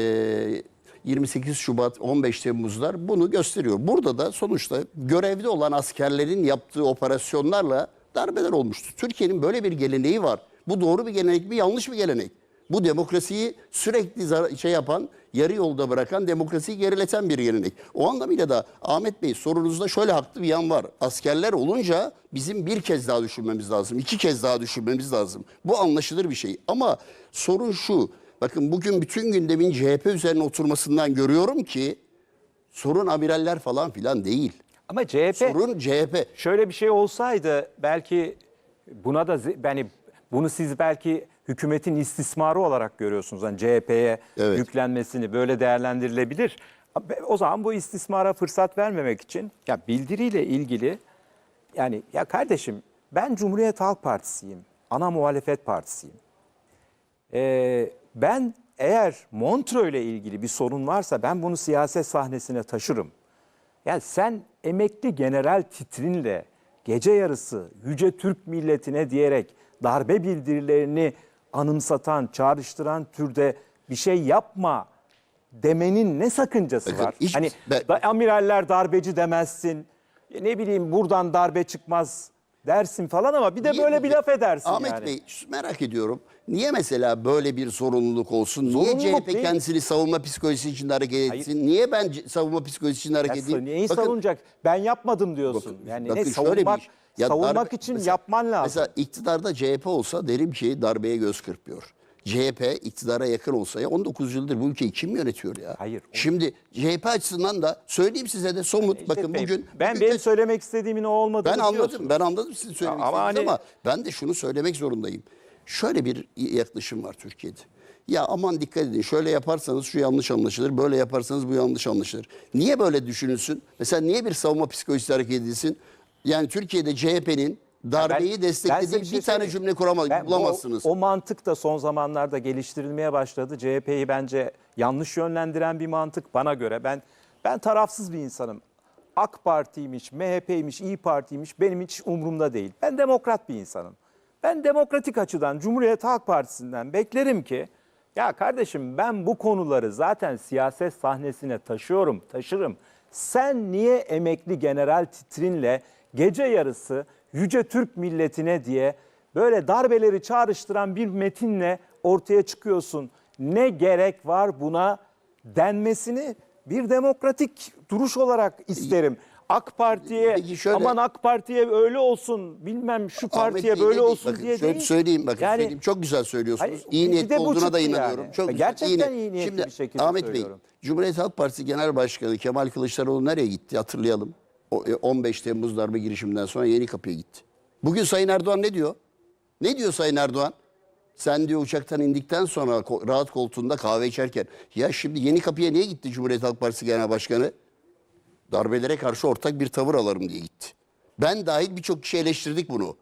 [SPEAKER 2] yirmi sekiz Şubat, on beş Temmuzlar bunu gösteriyor. Burada da sonuçta görevde olan askerlerin yaptığı operasyonlarla darbeler olmuştur. Türkiye'nin böyle bir geleneği var. Bu doğru bir gelenek mi, yanlış bir gelenek? Bu demokrasiyi sürekli zar- şey yapan, yarı yolda bırakan, demokrasiyi gerileten bir gelenek. O anlamıyla da Ahmet Bey sorunuzda şöyle haklı bir yan var. Askerler olunca bizim bir kez daha düşünmemiz lazım, iki kez daha düşünmemiz lazım. Bu anlaşılır bir şey. Ama sorun şu, bakın bugün bütün gündemin C H P üzerine oturmasından görüyorum ki sorun amiraller falan filan değil.
[SPEAKER 1] Ama C H P...
[SPEAKER 2] Sorun C H P.
[SPEAKER 1] Şöyle bir şey olsaydı belki buna da ze- yani bunu siz belki hükümetin istismarı olarak görüyorsunuz. Hani C H P'ye
[SPEAKER 2] Evet.
[SPEAKER 1] yüklenmesini böyle değerlendirilebilir. O zaman bu istismara fırsat vermemek için ya bildiriyle ilgili yani ya kardeşim ben Cumhuriyet Halk Partisi'yim. Ana muhalefet partisiyim. Ee, ben eğer Montreux ile ilgili bir sorun varsa ben bunu siyaset sahnesine taşırım. Yani sen emekli general titrinle gece yarısı Yüce Türk milletine diyerek darbe bildirilerini anımsatan, çağrıştıran türde bir şey yapma demenin ne sakıncası
[SPEAKER 2] Bakın,
[SPEAKER 1] var?
[SPEAKER 2] hiç-
[SPEAKER 1] Hani
[SPEAKER 2] ben-
[SPEAKER 1] da, amiraller darbeci demezsin, ne bileyim buradan darbe çıkmaz dersin falan ama bir de
[SPEAKER 2] Niye-
[SPEAKER 1] böyle bir laf edersin
[SPEAKER 2] Ahmet
[SPEAKER 1] yani.
[SPEAKER 2] Bey merak ediyorum. Niye mesela böyle bir sorumluluk olsun? Niye
[SPEAKER 1] Zorunluluk
[SPEAKER 2] C H P
[SPEAKER 1] değil.
[SPEAKER 2] kendisini savunma psikolojisi içinde hareket etsin? Niye ben c- savunma psikolojisi içinde hareket
[SPEAKER 1] Ya
[SPEAKER 2] edeyim?
[SPEAKER 1] neyi
[SPEAKER 2] Bakın-
[SPEAKER 1] savunacak? Ben yapmadım diyorsun.
[SPEAKER 2] bakın-
[SPEAKER 1] yani
[SPEAKER 2] bakın
[SPEAKER 1] ne
[SPEAKER 2] şöyle
[SPEAKER 1] savunmak,
[SPEAKER 2] bir iş. Ya
[SPEAKER 1] savunmak
[SPEAKER 2] darbe-
[SPEAKER 1] için
[SPEAKER 2] mesela-
[SPEAKER 1] yapman lazım.
[SPEAKER 2] Mesela iktidarda C H P olsa derim ki darbeye göz kırpıyor. C H P iktidara yakın olsa ya on dokuz yıldır bu ülkeyi kim yönetiyor ya?
[SPEAKER 1] Hayır.
[SPEAKER 2] Şimdi C H P açısından da söyleyeyim size de somut.
[SPEAKER 1] İşte
[SPEAKER 2] bakın
[SPEAKER 1] Bey,
[SPEAKER 2] bugün
[SPEAKER 1] ben
[SPEAKER 2] bugün
[SPEAKER 1] benim
[SPEAKER 2] de-
[SPEAKER 1] söylemek istediğimin o olmadığını
[SPEAKER 2] ben anladım.
[SPEAKER 1] biliyorsunuz.
[SPEAKER 2] Ben anladım sizin söylemek
[SPEAKER 1] Ama
[SPEAKER 2] istediğinizi
[SPEAKER 1] hani-
[SPEAKER 2] ama ben de şunu söylemek zorundayım. Şöyle bir yaklaşım var Türkiye'de. Ya aman dikkat edin şöyle yaparsanız şu yanlış anlaşılır, böyle yaparsanız bu yanlış anlaşılır. Niye böyle düşünülsün? Mesela niye bir savunma psikolojisi hareket edilsin? Yani Türkiye'de C H P'nin darbeyi
[SPEAKER 1] Ben- ben
[SPEAKER 2] desteklediği
[SPEAKER 1] size
[SPEAKER 2] bir,
[SPEAKER 1] şey
[SPEAKER 2] tane
[SPEAKER 1] söyleyeyim.
[SPEAKER 2] cümle kurama,
[SPEAKER 1] Ben-
[SPEAKER 2] bulamazsınız.
[SPEAKER 1] O, o mantık da son zamanlarda geliştirilmeye başladı. C H P'yi bence yanlış yönlendiren bir mantık bana göre. Ben ben tarafsız bir insanım. AK Parti'ymiş, M H P'ymiş, İyi Parti'ymiş benim hiç umurumda değil. Ben demokrat bir insanım. Ben demokratik açıdan Cumhuriyet Halk Partisi'nden beklerim ki ya kardeşim ben bu konuları zaten siyaset sahnesine taşıyorum, taşırım. Sen niye emekli general titrinle gece yarısı Yüce Türk milletine diye böyle darbeleri çağrıştıran bir metinle ortaya çıkıyorsun? Ne gerek var buna denmesini bir demokratik duruş olarak isterim. AK Parti'ye
[SPEAKER 2] Peki şöyle-
[SPEAKER 1] aman AK Parti'ye öyle olsun bilmem şu partiye
[SPEAKER 2] Ahmet Bey,
[SPEAKER 1] böyle
[SPEAKER 2] ne-
[SPEAKER 1] olsun
[SPEAKER 2] bakın,
[SPEAKER 1] diye
[SPEAKER 2] şöyle
[SPEAKER 1] değil.
[SPEAKER 2] söyleyeyim bakın
[SPEAKER 1] Yani-
[SPEAKER 2] söyleyeyim. Çok güzel söylüyorsunuz.
[SPEAKER 1] Hayır,
[SPEAKER 2] iyi
[SPEAKER 1] bir de
[SPEAKER 2] niyetli
[SPEAKER 1] bu
[SPEAKER 2] olduğuna da
[SPEAKER 1] çıktı
[SPEAKER 2] inanıyorum.
[SPEAKER 1] yani.
[SPEAKER 2] Çok güzel,
[SPEAKER 1] Gerçekten
[SPEAKER 2] iyi
[SPEAKER 1] iyi niyetli
[SPEAKER 2] Şimdi
[SPEAKER 1] bir şekilde
[SPEAKER 2] Ahmet Bey,
[SPEAKER 1] söylüyorum.
[SPEAKER 2] Cumhuriyet Halk Partisi Genel Başkanı Kemal Kılıçdaroğlu nereye gitti? Hatırlayalım. O, e, on beş Temmuz darbe girişiminden sonra Yenikapı'ya gitti. Bugün Sayın Erdoğan ne diyor? Ne diyor Sayın Erdoğan? Sen diyor uçaktan indikten sonra ko- rahat koltuğunda kahve içerken. Ya şimdi Yeni Kapı'ya niye gitti Cumhuriyet Halk Partisi Genel Başkanı? Darbelere karşı ortak bir tavır alırım diye gitti. Ben dahil birçok kişi eleştirdik bunu.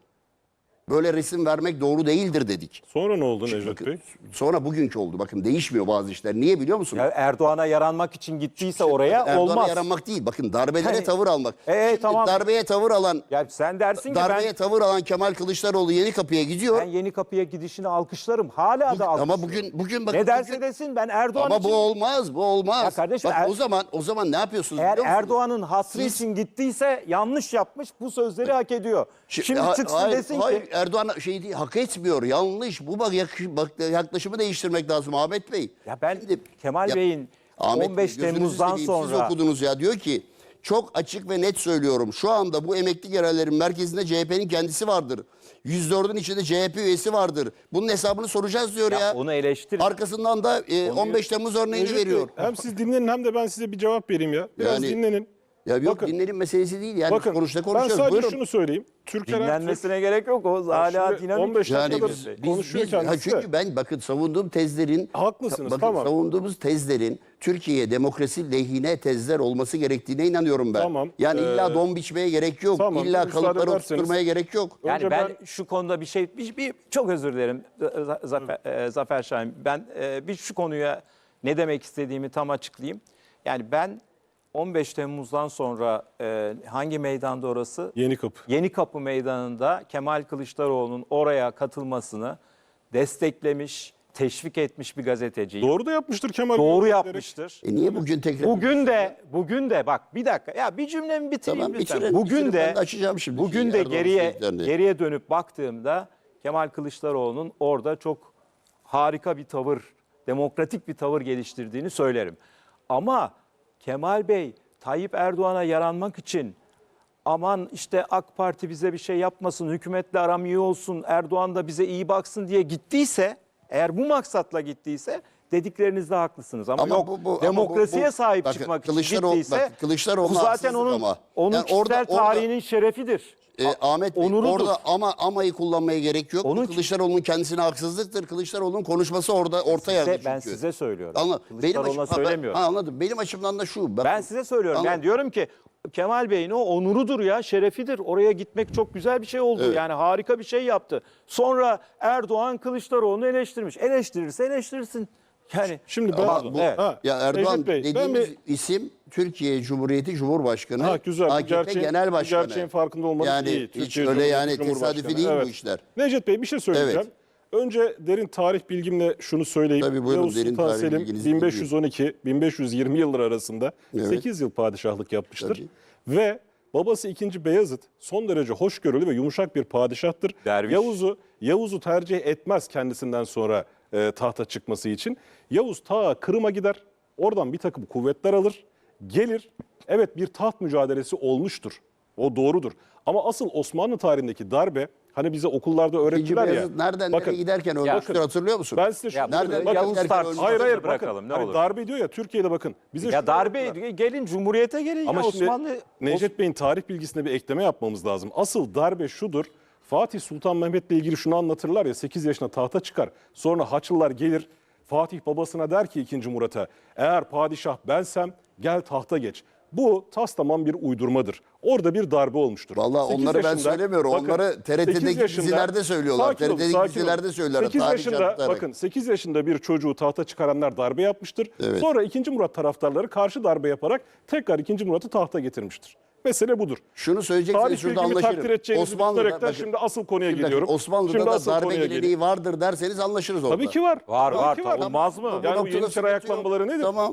[SPEAKER 2] Böyle resim vermek doğru değildir dedik.
[SPEAKER 3] Sonra ne oldu Necdet
[SPEAKER 2] Bakın,
[SPEAKER 3] Bey?
[SPEAKER 2] sonra bugünkü oldu. Bakın değişmiyor bazı işler. Niye biliyor musun?
[SPEAKER 1] Ya Erdoğan'a yaranmak için gittiyse oraya
[SPEAKER 2] Erdoğan'a
[SPEAKER 1] olmaz.
[SPEAKER 2] yaranmak değil. Bakın darbelere
[SPEAKER 1] Hani-
[SPEAKER 2] tavır almak.
[SPEAKER 1] Ee,
[SPEAKER 2] Şimdi
[SPEAKER 1] tamam.
[SPEAKER 2] darbeye tavır alan,
[SPEAKER 1] Ya sen dersin ki
[SPEAKER 2] darbeye
[SPEAKER 1] ben,
[SPEAKER 2] tavır alan Kemal Kılıçdaroğlu Yeni Kapı'ya gidiyor.
[SPEAKER 1] ben Yeni Kapı'ya gidişini alkışlarım. Hala da alkışlarım.
[SPEAKER 2] Ama bugün bugün bakın
[SPEAKER 1] ne derse
[SPEAKER 2] bugün-
[SPEAKER 1] desin ben Erdoğan
[SPEAKER 2] ama
[SPEAKER 1] için...
[SPEAKER 2] bu olmaz, bu olmaz.
[SPEAKER 1] Ya kardeşim,
[SPEAKER 2] Bak
[SPEAKER 1] Er-
[SPEAKER 2] o zaman o zaman ne yapıyorsunuz
[SPEAKER 1] Eğer
[SPEAKER 2] biliyor musunuz?
[SPEAKER 1] Erdoğan'ın hatrı
[SPEAKER 2] Siz-
[SPEAKER 1] için gittiyse yanlış yapmış, bu sözleri hak ediyor.
[SPEAKER 2] Şi-
[SPEAKER 1] Şimdi
[SPEAKER 2] ha-
[SPEAKER 1] çıksın
[SPEAKER 2] hayır,
[SPEAKER 1] desin
[SPEAKER 2] hayır,
[SPEAKER 1] ki...
[SPEAKER 2] Erdoğan şey değil, hak etmiyor, yanlış. Bu bak, yak- bak yaklaşımı değiştirmek lazım Ahmet Bey.
[SPEAKER 1] Ya ben
[SPEAKER 2] Şimdi-
[SPEAKER 1] Kemal
[SPEAKER 2] Ya-
[SPEAKER 1] Bey'in
[SPEAKER 2] Ahmet
[SPEAKER 1] on
[SPEAKER 2] Bey,
[SPEAKER 1] beş
[SPEAKER 2] gözünüzü
[SPEAKER 1] Temmuz'dan
[SPEAKER 2] seveyim, Siz
[SPEAKER 1] sonra...
[SPEAKER 2] okudunuz ya, diyor ki çok açık ve net söylüyorum. Şu anda bu emekli genellerin merkezinde C H P'nin kendisi vardır. yüz dördün içinde C H P üyesi vardır. Bunun hesabını soracağız diyor ya.
[SPEAKER 1] Ya onu eleştirin.
[SPEAKER 2] Arkasından da e, on beş Temmuz örneğini
[SPEAKER 3] Necdet Bey,
[SPEAKER 2] veriyor.
[SPEAKER 3] hem siz dinlenin hem de ben size bir cevap vereyim ya. Biraz
[SPEAKER 2] Yani-
[SPEAKER 3] dinlenin.
[SPEAKER 2] Ya yok,
[SPEAKER 3] Bakın-
[SPEAKER 2] dinlerin meselesi değil yani.
[SPEAKER 3] Bakın
[SPEAKER 2] Konuşta
[SPEAKER 3] ben
[SPEAKER 2] konuşuyoruz.
[SPEAKER 3] sadece
[SPEAKER 2] Buyurun.
[SPEAKER 3] şunu söyleyeyim. Türker Ertürk
[SPEAKER 1] Dinlenmesine gerek yok. O hala
[SPEAKER 3] şimdi
[SPEAKER 1] dinamik.
[SPEAKER 3] on beş
[SPEAKER 2] Yani
[SPEAKER 3] dakikadır
[SPEAKER 2] biz, biz,
[SPEAKER 3] konuşuyor
[SPEAKER 2] biz- ha
[SPEAKER 3] kendisi.
[SPEAKER 2] çünkü ben bakın savunduğum tezlerin
[SPEAKER 3] Haklısınız,
[SPEAKER 2] bakın
[SPEAKER 3] tamam.
[SPEAKER 2] savunduğumuz tezlerin Türkiye demokrasi lehine tezler olması gerektiğine inanıyorum ben.
[SPEAKER 3] Tamam,
[SPEAKER 2] Yani
[SPEAKER 3] ee,
[SPEAKER 2] illa don biçmeye gerek yok.
[SPEAKER 3] tamam,
[SPEAKER 2] illa
[SPEAKER 3] müsaade
[SPEAKER 2] kalıpları
[SPEAKER 3] ederseniz-
[SPEAKER 2] oturtmaya gerek yok.
[SPEAKER 1] Yani
[SPEAKER 3] Önce
[SPEAKER 1] ben,
[SPEAKER 3] ben-
[SPEAKER 1] şu konuda bir şey, bir, bir- çok özür dilerim Z- Zafer, e, Zafer Şahin. Ben e, bir şu konuya ne demek istediğimi tam açıklayayım. Yani ben on beş Temmuz'dan sonra e, hangi meydanda orası?
[SPEAKER 3] Yeni Kapı.
[SPEAKER 1] Yeni Kapı Meydanı'nda Kemal Kılıçdaroğlu'nun oraya katılmasını desteklemiş, teşvik etmiş bir gazeteciyim.
[SPEAKER 3] Doğru da yapmıştır Kemal Bey.
[SPEAKER 1] Doğru
[SPEAKER 3] Diyerek.
[SPEAKER 1] yapmıştır.
[SPEAKER 2] E niye bugün tekrar?
[SPEAKER 1] Bugün de bugün de bak bir dakika ya bir cümlemi bitireyim
[SPEAKER 2] Tamam,
[SPEAKER 1] lütfen.
[SPEAKER 2] bitirin,
[SPEAKER 1] Bugün
[SPEAKER 2] bitirin.
[SPEAKER 1] de
[SPEAKER 2] Ben de açacağım şimdi
[SPEAKER 1] bugün
[SPEAKER 2] şeyi,
[SPEAKER 1] de
[SPEAKER 2] Erdoğan'ın
[SPEAKER 1] geriye
[SPEAKER 2] söylediklerini.
[SPEAKER 1] geriye dönüp baktığımda Kemal Kılıçdaroğlu'nun orada çok harika bir tavır, demokratik bir tavır geliştirdiğini söylerim. Ama Kemal Bey Tayyip Erdoğan'a yaranmak için aman işte AK Parti bize bir şey yapmasın, hükümetle aram iyi olsun, Erdoğan da bize iyi baksın diye gittiyse, eğer bu maksatla gittiyse dediklerinizde haklısınız. Ama,
[SPEAKER 2] Ama
[SPEAKER 1] yok
[SPEAKER 2] bu- bu- ama
[SPEAKER 1] demokrasiye
[SPEAKER 2] bu- bu-
[SPEAKER 1] sahip
[SPEAKER 2] bakın,
[SPEAKER 1] çıkmak için
[SPEAKER 2] Kılıçdaroğlu-
[SPEAKER 1] gittiyse
[SPEAKER 2] bakın, Kılıçdaroğlu'na
[SPEAKER 1] bu zaten
[SPEAKER 2] haksızlık
[SPEAKER 1] onun,
[SPEAKER 2] ama.
[SPEAKER 1] onun
[SPEAKER 2] Yani
[SPEAKER 1] kişisel
[SPEAKER 2] orada- orada-
[SPEAKER 1] tarihinin şerefidir.
[SPEAKER 2] E, Ahmet Bey,
[SPEAKER 1] onurudur.
[SPEAKER 2] orada ama amayı kullanmaya gerek yok.
[SPEAKER 1] Onun-
[SPEAKER 2] Bu Kılıçdaroğlu'nun kendisine haksızlıktır. Kılıçdaroğlu'nun konuşması orada orta yerde
[SPEAKER 1] Size-
[SPEAKER 2] çünkü.
[SPEAKER 1] ben size söylüyorum.
[SPEAKER 2] Anla,
[SPEAKER 1] Kılıçdaroğlu'na
[SPEAKER 2] açım- ha, ben-
[SPEAKER 1] söylemiyorum.
[SPEAKER 2] ha, anladım. Benim açımdan da şu. Bakın,
[SPEAKER 1] Ben size söylüyorum.
[SPEAKER 2] Anladım.
[SPEAKER 1] Ben diyorum ki Kemal Bey'in o onurudur ya, şerefidir. Oraya gitmek çok güzel bir şey oldu.
[SPEAKER 2] Evet.
[SPEAKER 1] Yani harika bir şey yaptı. Sonra Erdoğan Kılıçdaroğlu'nu eleştirmiş. Eleştirirse eleştirsin. Yani
[SPEAKER 3] Şimdi ben
[SPEAKER 2] Ama bu-
[SPEAKER 1] Evet.
[SPEAKER 3] Ha,
[SPEAKER 2] Ya Erdoğan
[SPEAKER 3] Necdet Bey, ben
[SPEAKER 2] dediğimiz
[SPEAKER 3] bir-
[SPEAKER 2] isim Türkiye Cumhuriyeti Cumhurbaşkanı,
[SPEAKER 3] Ha, güzel. Bu
[SPEAKER 2] A K P
[SPEAKER 3] gerçeğin-
[SPEAKER 2] Genel
[SPEAKER 3] bu
[SPEAKER 2] Başkanı.
[SPEAKER 3] gerçeğin farkında olmanız
[SPEAKER 2] yani
[SPEAKER 3] iyi.
[SPEAKER 2] hiç
[SPEAKER 3] Türkiye
[SPEAKER 2] öyle
[SPEAKER 3] Cumhuriyeti
[SPEAKER 2] yani
[SPEAKER 3] Cumhurbaşkanı.
[SPEAKER 2] tesadüfi değil
[SPEAKER 3] Evet.
[SPEAKER 2] bu işler.
[SPEAKER 3] Necdet Bey bir şey söyleyeceğim. Önce derin tarih bilgimle şunu söyleyeyim.
[SPEAKER 2] Tabii, buyurun,
[SPEAKER 3] Yavuz
[SPEAKER 2] derin
[SPEAKER 3] Sultan
[SPEAKER 2] tarih
[SPEAKER 3] Selim
[SPEAKER 2] bilginizi
[SPEAKER 3] bin beş yüz on iki bin beş yüz yirmi yılları arasında
[SPEAKER 2] Evet.
[SPEAKER 3] sekiz yıl padişahlık yapmıştır.
[SPEAKER 2] Tabii.
[SPEAKER 3] Ve babası ikinci Beyazıt son derece hoşgörülü ve yumuşak bir padişahtır.
[SPEAKER 1] Derviş.
[SPEAKER 3] Yavuz'u Yavuz'u tercih etmez kendisinden sonra e, tahta çıkması için. Yavuz ta Kırım'a gider. Oradan bir takım kuvvetler alır. Gelir. Evet, bir taht mücadelesi olmuştur. O doğrudur. Ama asıl Osmanlı tarihindeki darbe, hani bize okullarda
[SPEAKER 2] İkinci
[SPEAKER 3] öğrettiler ya.
[SPEAKER 2] Beyazıt nereden
[SPEAKER 3] Bakın,
[SPEAKER 2] nereye giderken ölmüştür, hatırlıyor musun?
[SPEAKER 3] ben size şunu
[SPEAKER 1] Ya
[SPEAKER 3] söyleyeyim.
[SPEAKER 2] nereden
[SPEAKER 1] burada
[SPEAKER 3] Bakın,
[SPEAKER 1] Yavuz
[SPEAKER 2] giderken
[SPEAKER 1] tartışmasını
[SPEAKER 2] ölmüş.
[SPEAKER 3] hayır hayır
[SPEAKER 1] bırakalım
[SPEAKER 3] bakın.
[SPEAKER 1] ne
[SPEAKER 3] Hani
[SPEAKER 1] olur.
[SPEAKER 3] darbe diyor ya, Türkiye'de bakın. Bize
[SPEAKER 1] Ya
[SPEAKER 3] şunu
[SPEAKER 1] darbe
[SPEAKER 3] yaptılar.
[SPEAKER 1] gelin Cumhuriyete gelin
[SPEAKER 3] Ama
[SPEAKER 1] ya
[SPEAKER 3] şimdi
[SPEAKER 1] Osmanlı.
[SPEAKER 3] Necdet Bey'in tarih bilgisine bir ekleme yapmamız lazım. Asıl darbe şudur. Fatih Sultan Mehmet'le ilgili şunu anlatırlar ya, sekiz yaşına tahta çıkar. Sonra Haçlılar gelir. Fatih babasına der ki ikinci Murat'a, eğer padişah bensem gel tahta geç. Bu tas tamam bir uydurmadır. Orada bir darbe olmuştur.
[SPEAKER 2] Vallahi
[SPEAKER 3] sekiz
[SPEAKER 2] onları ben
[SPEAKER 3] yaşında-
[SPEAKER 2] söylemiyorum.
[SPEAKER 3] bakın,
[SPEAKER 2] Onları T R T'deki
[SPEAKER 3] sekiz yaşında-
[SPEAKER 2] dizilerde söylüyorlar.
[SPEAKER 3] Sakin olun,
[SPEAKER 2] T R T'deki
[SPEAKER 3] sakin olun.
[SPEAKER 2] dizilerde söylüyorlar,
[SPEAKER 3] sekiz
[SPEAKER 2] tarih
[SPEAKER 3] yaşında
[SPEAKER 2] anlatarak.
[SPEAKER 3] bakın sekiz yaşında bir çocuğu tahta çıkaranlar darbe yapmıştır.
[SPEAKER 2] Evet.
[SPEAKER 3] Sonra ikinci Murat taraftarları karşı darbe yaparak tekrar ikinci Murat'ı tahta getirmiştir. Mesele budur.
[SPEAKER 2] Şunu söyleyecekseniz
[SPEAKER 3] Tarih
[SPEAKER 2] şurada
[SPEAKER 3] bilgimi
[SPEAKER 2] anlaşırım.
[SPEAKER 3] takdir edeceğinizi düşünerekten
[SPEAKER 2] bakın,
[SPEAKER 3] şimdi asıl konuya
[SPEAKER 2] şimdi bakın,
[SPEAKER 3] geliyorum.
[SPEAKER 2] Osmanlı'da
[SPEAKER 3] Şimdi
[SPEAKER 2] da
[SPEAKER 3] asıl
[SPEAKER 2] darbe
[SPEAKER 3] konuya
[SPEAKER 2] geleneği
[SPEAKER 3] geleyim.
[SPEAKER 2] vardır derseniz anlaşırız orada.
[SPEAKER 3] Tabii ki var.
[SPEAKER 1] Var,
[SPEAKER 3] Tabii
[SPEAKER 1] var.
[SPEAKER 3] ki
[SPEAKER 1] Olmaz mı?
[SPEAKER 2] Bu
[SPEAKER 3] Yani bu
[SPEAKER 2] noktada
[SPEAKER 3] Yeniçeri
[SPEAKER 2] sıkıntı yok.
[SPEAKER 3] ayaklanmaları nedir?
[SPEAKER 2] Tamam.